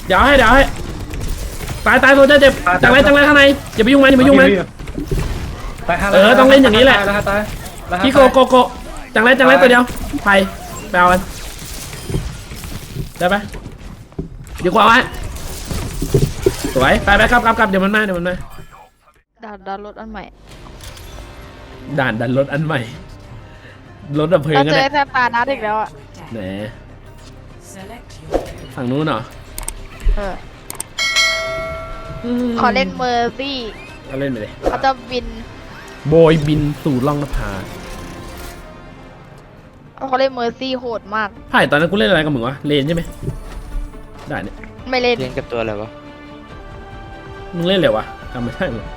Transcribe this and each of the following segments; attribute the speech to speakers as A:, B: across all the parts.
A: เดี๋ยวให้ตายโซเจอร์เจ็บจังไรข้างในอย่าไปยุ่งมันต้องเล่นอย่างนี้แหละพี่โกจังไรตัวเดียวไปเอากันได้ไหมดีกว่าไว้สวยไปครับเดี๋ยวมันมา
B: ด่านรถอันใหม่
A: ด่านรถอันใหม่รถดับเพลิงกัน
B: เราเจอแฟนปานัดอีกแล้วอ่ะ
A: แหนฝั่งนู้นเหรอ
B: ขอเล่นเมอร์ซี่
A: ก็เล่นไปเลย
B: เขาจะบิน
A: โบยบินสู่ล่องนภา
B: เขาเล่นเมอร์ซี่โหดมาก
A: ไผ่ตอนนั้นกูเล่นอะไรกับมึงวะเลนใช่ไหมได้เนี่ย
B: ไม่เล่น
C: กับตัวอะไรวะ
A: มึงเล่นเลยวะจำไม่ได้เลย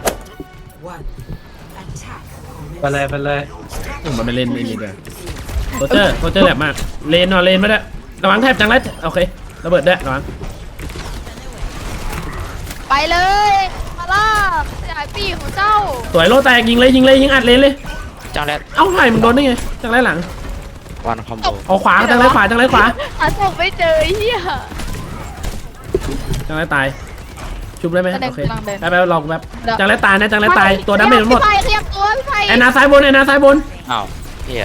D: ไปเลย
A: มันไม่เล่นไม่มีเลยโคเจอร์แหลมมากเลนไม่ได้ระวังแทบจังไรโอเคระเบิดได้ระวัง
B: ไปเลยมาล่าสยายปีของเจ้า
A: สวยโลแตกยิงอัดเลนเลย
C: จังไร
A: เอ้าไผ่มึงโดนได้ไงจังไรหลัง
C: วันคอมโบ
A: เอาขวาจังไรขวา
B: หาศพไม่เจอเฮีย
A: จังไรตายชุบได้ไหมโอเคไปลองแบบจังไรตายนะจังไรตายตัวดาเมจหมด
B: พี่ไผ่ขยับตัวพี่ไผ่
A: แอนนาซ้ายบน
C: อ้าวเฮีย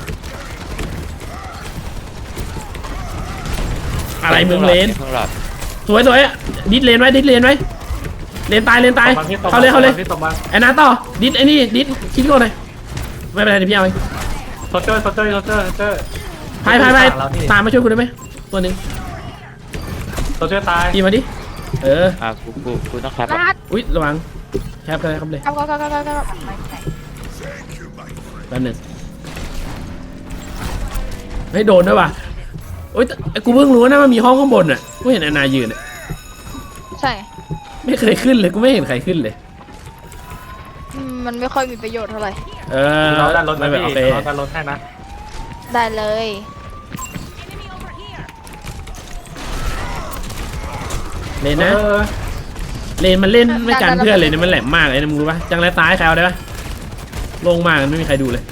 A: อะไรมึงเลนสวยดิสเลนไว้เลนตายเข้าเลยแอนนาต่อดิสไอ้นี่ดิสคิดก่อนเลยไม่เป็นไรเดี๋ยวพี่เอาเอง
D: โซเจอร์
A: พายตามมาช่วยคุณได้ไหมตัวนึง
D: โซเจอร์ตาย
A: ตีมาดิ
C: กูต้องแคป
A: อุ๊ยระวังแคปเลยครับเลยแป๊บนึงไม่โดนด้วยว่ะโอ๊ยกูเพิ่งรู้นะว่ามีห้องข้างบนอ่ะกูเห็นแอนนายืน
B: ใช่
A: ไม่เคยขึ้นเลยกูไม่เห็นใครขึ้นเลย
B: มันไม่ค่อยมีประโยชน์เท่าไหร่
D: เราดันรถนะพี่เราดันรถให้นะ
B: ได้เลย
A: เลนนะเลนมันเล่นไม่กันเพื่อนเลยเนี่ยมันแหลมมากเลยนะมึงรู้ปะจังไรซ้ายใครเอาได้ปะลงมากันไม่มีใครดูเลย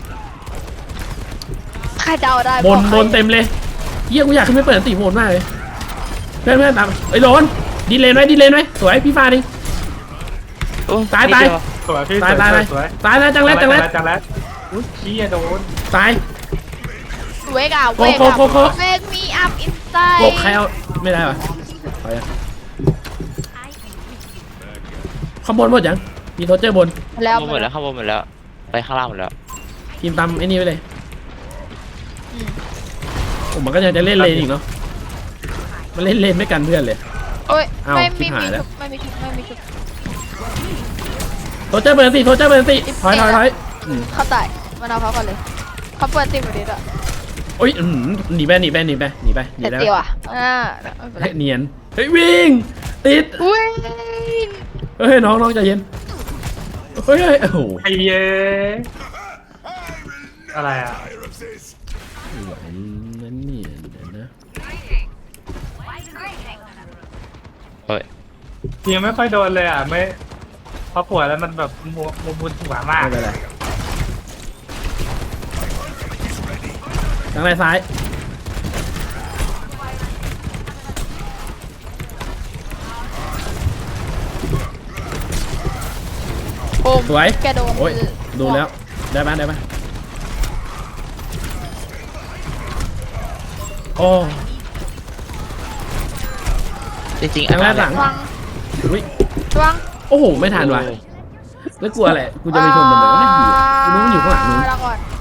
B: ใครเดาได้
A: บนเต็มเลยเยี่ยกูอยากขึ้นไปเปิดตีโหดมากเลยเพื่อนตามไอ้โดนดีเลนไว้สวยพี่ฟ้าดิตายนะจังไร
D: อุ้ยขี้โดน
A: ตาย
B: เวกอะเวกมีอัพอินไซด์
A: โกใครเอาไม่ได้ปะไปข้างบนหมดยังมีโทเจอร์บน
C: แล้วหมดแล้วไปข้างล่างหมดแล้ว
A: ทีมตามไอ้นี่ไปเลยผมมันก็ยังจะเล่นเลนอีกเนาะมันเล่นเลนไม่กันเพื่อนเลย
B: โอ้ยไม่มีชุบ
A: โทเจอร์เบอร์สี่ถอย
B: เขาตายมาเอาเขาก่อนเลยเขาเปิดติดประเดี๋ยว
A: โอ้ยหนีไป
B: แล้วเ
A: นียนเฮ้ยวิ่งติดเฮ้ยน้องใจเย็นเฮ้ยโอ้โห
D: ไอ้เย้อะไรอ่ะ
A: นั่นนี่นะ
C: เฮ้ย
D: ยังไม่ค่อยโดนเลยอ่ะไม่พอปวดแล้วมันแบบมุนหัวมาก
A: เลยทางไหนซ้ายสวย
B: แกโดน
A: โอ้ยดูแล้วได้ไหมโอ้
C: จริง
A: ๆทางแรกหลังอุ้ยโอ้โหไม่ทันว่ะแล้วกลัวอะไรกูจะไปชนมันเหมือนว่าไม่ดีกูรู้มันอยู่ข้างหลังนู้น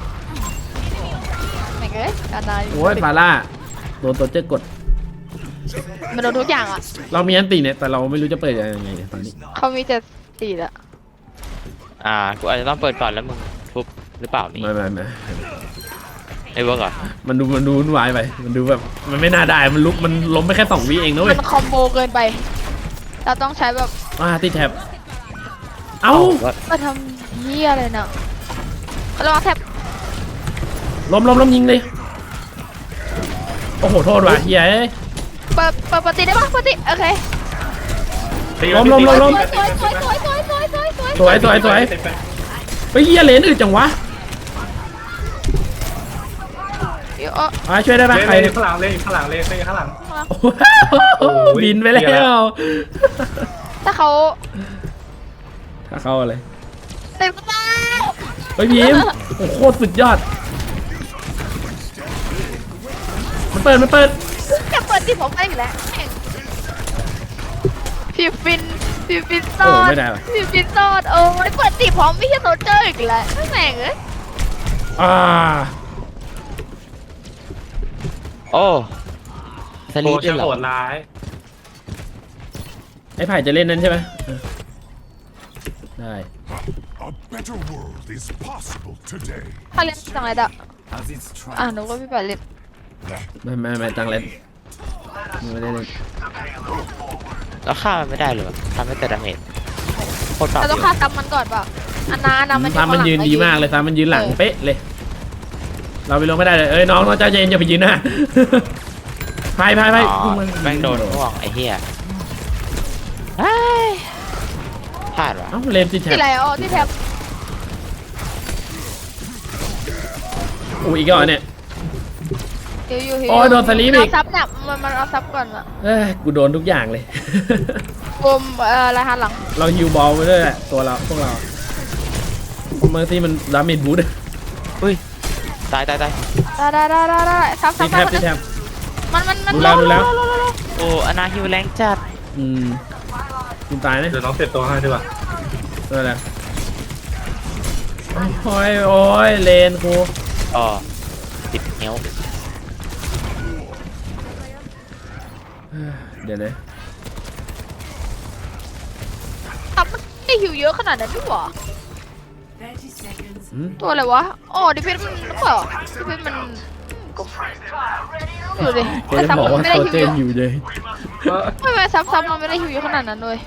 A: โอ้ยฟาร่าโดนตัวเจ๊กด
B: มันโดนทุกอย่างอ่ะ
A: เรามีอันตีเนี่ยแต่เราไม่รู้จะเปิดยังไงตอนนี้
B: เขามีแต่ตีละ
C: กูอาจจะต้องเปิดก่อนแล้วมึงทุบหรือเปล่านี่
A: ไม่
C: ไอ้เวิร์กอ่ะ
A: มันดูวุ่นวายไปมันดูแบบมันไม่น่าได้มันลุกมันล้มไปแค่2 วิเองนะเว้ย
B: มันคอมโบเกินไปเราต้องใช้แบบ
A: ติดแท็บเอ้า
B: มาทำเหี้ยอะไรเนาะเราแท็บ
A: ล้มยิงเลยโอ้โหโทษว่ะเฮีย
B: เปิดตีได้ปะเปิดตีโอเค
A: ล้มสวยไปเฮียเลนอื่นจังวะช่วยได้ปะใคร
D: ข้างหลังเลยข้างหลัง
B: มา
A: บินไปแล้ว
B: ถ้าเขา
A: ถ้าเข้าอะไร
B: เต็มกระเป๋า
A: เฮ้ยพีมโอ้โคตรสุดยอดมันเปิด
B: จะเปิดที่ผมได้อยู่แล้วแม่งพี่ฟินซอ
A: โอ้
B: ด
A: ไม่ได้ว่ะ
B: พี่ฟินซอดโอ้ยเปิดตีพร้อมไม่ใช่โซเจอร์อีกแล้วแม่งเอ้ย
A: อ่า
C: โอ้ส
D: โอ้
C: ลีปด้
D: ช่า
C: วย
D: ง
C: เหรอ
D: โหดร้าย
A: ไอ้ไผ่จะเล่นนั้นใช่ไหมได้
E: A better world is possible today.
B: ถ้าเล่นจังไรดะหนูก็พี่ไปเล่น
A: ไม่ตังเล่นไม่ได้เล่น
C: แล้วฆ่ามันไม่ได้เลยวะทำให้แต่ดาเมจโคตรปรับ
B: เราต้องฆ่าซ้ำมันก่อนเปล่าอันนามัน
A: ซ้ำมันยืนดีมากเลยซ้ำมันยืนหลังเป๊ะเลย เราไปลงไม่ได้เลยเอ้ยน้องเจ้าเจนอย่าไปยืนหน้าไผ่
C: อ๋อแม่งโดนง่วงไอ้เหี้ยเฮ้ยพลาดวะ
A: เอ้าเลนสิแท
B: ที่ไรอ๋อที่แทบ
A: อู้อีกแล้วเนี่ย
B: อยู่
A: โอ้ยโดนสลีปอีก
B: เอาซับเนี่ยมันเอาซับก่อนอะ
A: เอ้ยกูโดนทุกอย่างเลย
B: กลมอะไรหันหลัง
A: เราฮิวบอลไปด้วยแหละตัวเราพวกเราเมอร์ซี่มันดาเมจบูท
C: อุ้ยตาย
B: ได้ซับ
A: ที่แทบที่แทบ
B: มัน
A: ดูแล้ว
C: โอ้อนาฮิวแรงจัด
A: คุณตายนะ
D: เดี๋ยวน้องเสร็จตัวให้ดีกว่า
A: นั่นแหละโอ้ยเลนกู
C: อ๋อติดเงี้ยว
A: เดี๋ยวนะ
B: ซับมันไม่หิวเยอะขนาดนั้นด้วยวะตัวอะไรวะอ๋อดิเพนมันหรือเปล่าดิเพนมันดูดิ
A: เดี๋ยวจะ
B: ซับ
A: บอก
B: มัน
A: ว่า
B: ไม่ได้
A: โซ
B: หิว
A: เจ
B: เย
A: น
B: อะ
A: อยู่เลย
B: ไม่ซับมันไม่ได้หิวเยอะขนาดนั้นเลย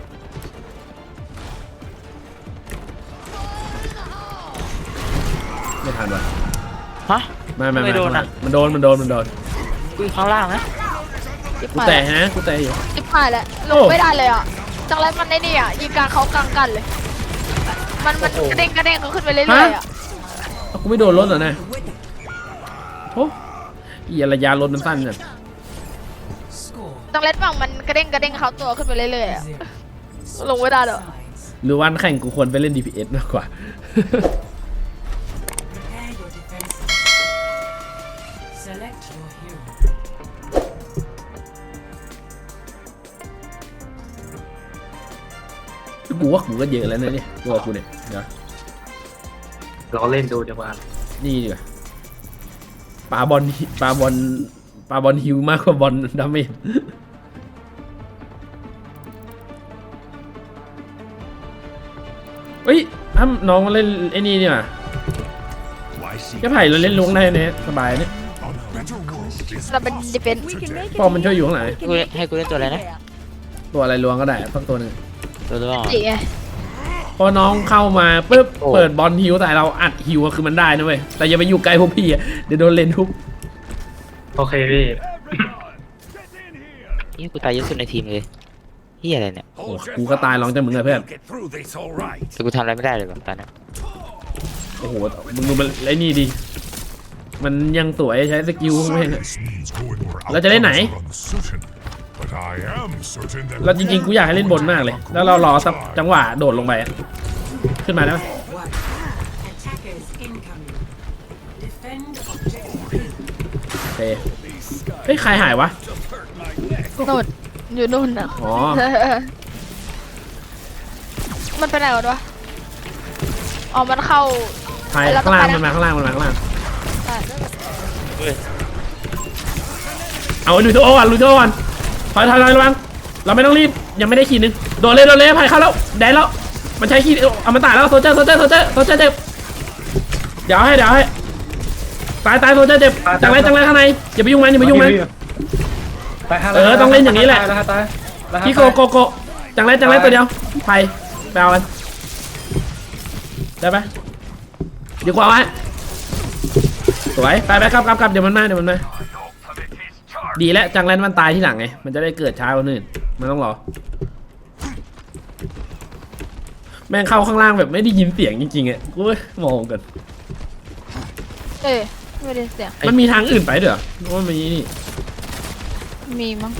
A: ไม่ทันวะ
C: ฮะ
A: ไม่
C: โดนอ่ะ
A: มันโดน
C: กูอยู่ข้างล่างนะ
A: กูแตะนะกูแตะอยู่
B: จิบหายแล้วลงไม่ได้เลยอ่ะจังไรมันได้นี่อ่ะยิงกลางเขากลางกันเลย มันกระเด้งเขาขึ้นไปเรื่อยๆอ่ะ
A: กูไม่โดนรถเหรอนะโอ้ยระยะรถมันสั้นจัง
B: จังไรฝั่งมันกระเด้งเขาตัวขึ้นไปเรื่อยๆอ่ะลงไม่ได้หรอ
A: หรือวันแข่งกูควรไปเล่น DPS มากกว่า กูว่ากูก็เยอะแล้วนะเนี่ยตัวกูเนี่ยเดี๋ยว
D: เราเล่นดูดีกว่า
A: นี่ดีกว่าปาบอลฮิวมากกว่าบอลดาเมจเฮ้ยถ้าน้องมาเล่นไอ้นี่เนี่ย
E: Why seek
A: ก็ไผ่เราเล่นลุงได้เนี่ยสบายเนี่ย
E: a better world is
B: เราเป็นดิเฟน
E: today.
A: ปอมมันช่วยอยู่ข้างหลัง
C: ให้กูเล่นตัวอะไรนะ
A: ตัวอะไรลวงก็ได้สักตัวหนึ่ง
C: ตัวตัว
B: จีไง
A: พอน้องเข้ามาปุ๊บเปิดบอลฮิวแต่เราอัดฮิวคือมันได้นะเว้ยแต่อย่าไปอยู่ใกล้พวกพี่อะเดี๋ยวโดนเลนทุบ
D: โอเคพี่
C: นี่กูตายเยอะสุดในทีมเลยเฮียอะไรเนี่ย
A: โอ้กูก็ตายร้องจากมึงอะเพื่อน
E: Get through this all right.
C: แต่กูทำอะไรไม่ได้เลยแบบตอนนี้
A: โอ้โหมึงดูมันไอ้นี่ดิมันยังสวยใช้สกิลไม่เห็นอะ
E: Science means going where
A: เราจะเล่นไหน
E: outcomes are uncertain, but I am certain that
A: เราจริงๆกูอยากให้เล่นบนมากเลย แล้วเรารอสักจังหวะโดดลงไปอะขึ้นมาได้ไหม
F: Attackers incoming. Defend objective.
A: โอเคเฮ้ยใครหายวะ
B: นู่นอยู่นู่นอ่ะ
A: อ๋อ
B: มันไปไหนวะอ๋อมันเข้า
A: ใครข้างล่างมันมาข้างล่างมันมาข้างล่าง
C: เฮ้ย
A: เอาลุยโต้ก่อนลุยโต้ก่อนถอยระวังเราไม่ต้องรีบยังไม่ได้ขีดนึงโดดเลยไผ่เข้าแล้วแดนแล้วมันใช้ขีดเอามาตายแล้วโซเจอร์เจ็บเดี๋ยวให้ตายโซเจอร์เจ็บจังไรข้างในอย่าไปยุ่งมันต้องเล่นอย่างนี้แหละ
D: ตาย
A: พี่โกจังไรตัวเดียวไผ่ไปเอามันได้ปะเดี๋ยวกว่าไว้สวยไปครับเดี๋ยวมันมาดีแล้วจังไรมันตายที่หลังไงมันจะได้เกิดช้ากว่าอื่นมันต้องรอแม่งเข้าข้างล่างแบบไม่ได้ยินเสียงจริงๆอ่ะกูงงกัน
B: ไม่ได้เสียง
A: มันมีทางอื่นไปเด้อว่ามันนี่
B: มีมั้ง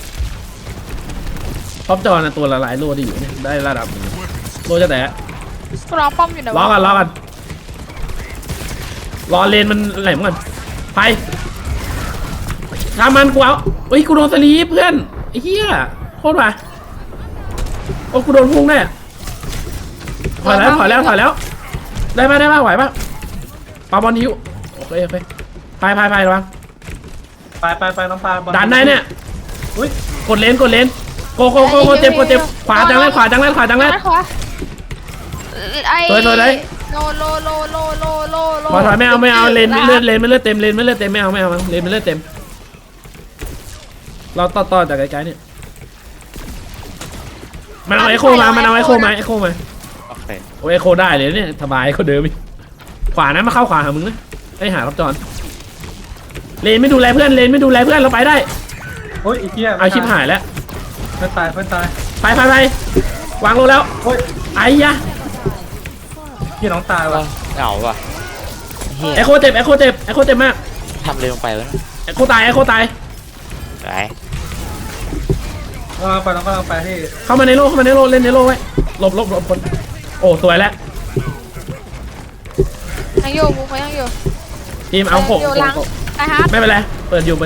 A: ท็อปจอนะตัวละหลายโลที่อยู่เนี่ยได้ระดับหนึ่งโลจะแตะ
B: กูรอป้อมอยู่นะ
A: รอกันรอเลนมันแหลมก่อนไปทำมันกูเอาเฮ้ยกูโดนสลีปเพื่อนไอ้เหี้ยโคตรว่ะโอ้กูโดนพุ่งได้อะถอยแล้วได้ป่ะไหวป่ะปาบอลนิ้วโอเคไประวัง
D: ไปน้องปลาบอล
A: ดันได้เนี่ย
D: อุ้ย
A: กดเลนโกเจ็บขวาจังเลย
B: ขวาไอ้
A: สวยเลย
B: โล
A: พอถอยไม่เอาเลนไม่เลือดเต็มไม่เอาเลนไม่เลือดเต็มเราต่อจากไกลๆเนี่ยมันเอาไอโคมา
C: โอเค
A: โอ้ไอโคได้เลยเนี่ยสบายเขาเดิมขวานะมาเข้าขวาหามึงนะไอหารับจอนเลนไม่ดูแลเพื่อนเราไปได้
D: โอ้ยอีกเหี้ย
A: เอาชิบหายแล้ว
D: เพื่อนตาย
A: ไปวางลงแล้ว
D: โอ้ย
A: ไอ้ยะ
D: พี่น้องตายว่ะ
C: เหงาว่ะเฮีย
A: ไอโคเจ็บมาก
C: ทำเลยลงไปวะ
A: ไอโคตาย
C: ไหน
D: ไปน้องก็ไปที่
A: เข้ามาในโลเล่นในโลไว้หลบคนโอ้สวยแล้ว
B: ยังอยู่กูยังอยู่
A: ทีมเอาโค
B: อยู่หลังไอ้ฮาร์ด
A: ไม่เป็นไรเปิดอยู่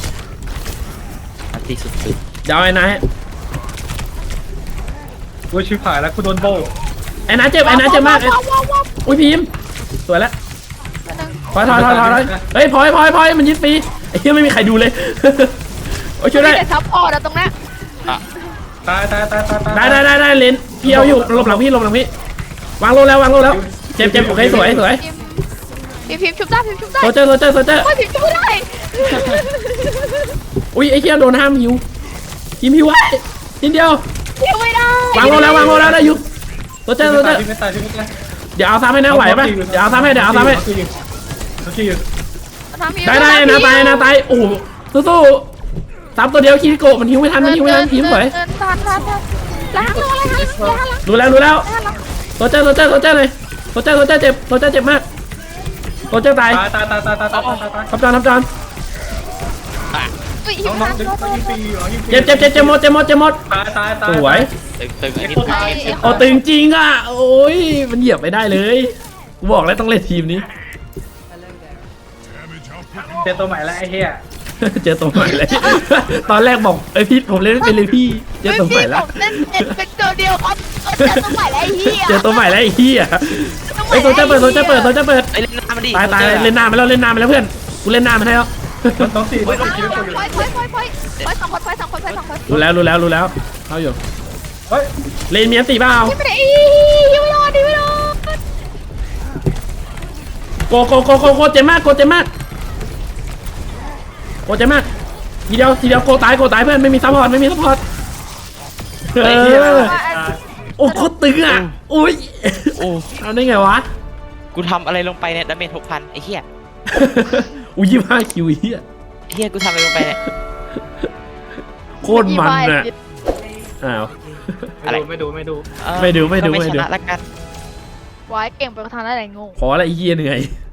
C: อันตีสุด
A: เดี๋ยวไอ้นาย
D: กูชิบหายแล้วกูโดนโบ
A: ไอ้นายเจ็บมากอุ้ยพิมสวยแล้วถอยเฮ้ยพลอยมันยึดฟรีไอ้เหี้ยไม่มีใครดูเลยโอ้ยช่วยได้
B: ได้ซัพพอร์ตอะตรงนี้
D: ตาย
A: ได้เลนพี่เอาอยู่หลบหลังพี่วางโลแล้วเจ็บโอเคสวย
B: พิมชุบได้
A: โซเจอร์
B: โอ้ยพิมชุบไม่ได้
A: อุ้ยไอ้เหี้ยโดนห้ามหิวหิวไว้นิดเดียว
B: พิมไม่ได้
A: วางโลแล้วได้อยู่โซเจอร์
D: ไม่ตาย
A: เดี๋ยวเอาซ้ำให้นะไหวปะเดี๋ยวเอาซ้ำให้ได้นะตายโอ้สู้ซ้ำตัวเดียวคิริโกะมันหิวไม่ทันพิมสวย
B: ทันล้างอะไร
A: รู้แล้วโซเจอร์เลยโซเจอร์เจ็บมากโซเจอร์ตาย
D: ตาย
A: ทับจอน
D: น้องดึงยิงปียิงปี
A: เจ็บหมด
D: ตาย
A: สวย
C: ตึงอันนี้
A: โอ้ตึงจริงอ่ะโอ้ยมันเหยียบไม่ได้เลยกูบอกแล้วต้องเล่นทีมนี้
D: เจอตัวใหม่แล้วไอ้เหี้ย
A: เจอตัวใหม่เลย ตอนแรกบอกพี่ผมเล่นไม่เป็นเลยพี่เจอตัวใหม่แล้ว
B: เล่นเป็นตัวเดียวครับเจอตัวใหม่แล้วไอ้เหี้ย
A: เจอตัวใหม่แล้วไอ้เหี้ยไอ้โซเจอร์เปิด
C: ไอ้เล่นหน้ามันดิ
A: ตายเล่นหน้ามาแล้วเพื่อนกูเล่นหน้ามาให้แล้ว
D: มันต้องสี่
B: พอยสองคน
A: รู้แล้วเข้าอยู่
D: เฮ้ย
A: เลนมีอันตีเปล่า
B: ไม่ได้ยังไม่รอด
A: โกเจ็บมากทีเดียวโกตายเพื่อนไม่มีซัพพอร์ตโอ้โคตรตึงอ่ะอุ้ย
C: โอ้
A: เอาได้ไงวะ
C: กูทำอะไรลงไปเนี่ยดาเมจ6,000ไอ้เหี้ย
A: อุ้ย25 คิวเฮีย
C: เหี้ยกูทำอะไรลงไปเนี่ย
A: โคตรมันอ่ะอ้าว
D: ไม่ดู
C: ไม่
A: ไม่ดู
C: ชนะละกัน
B: ไว้เก่งไปกระทานอะไรงง
A: ขออะไรเฮียเหนื่อย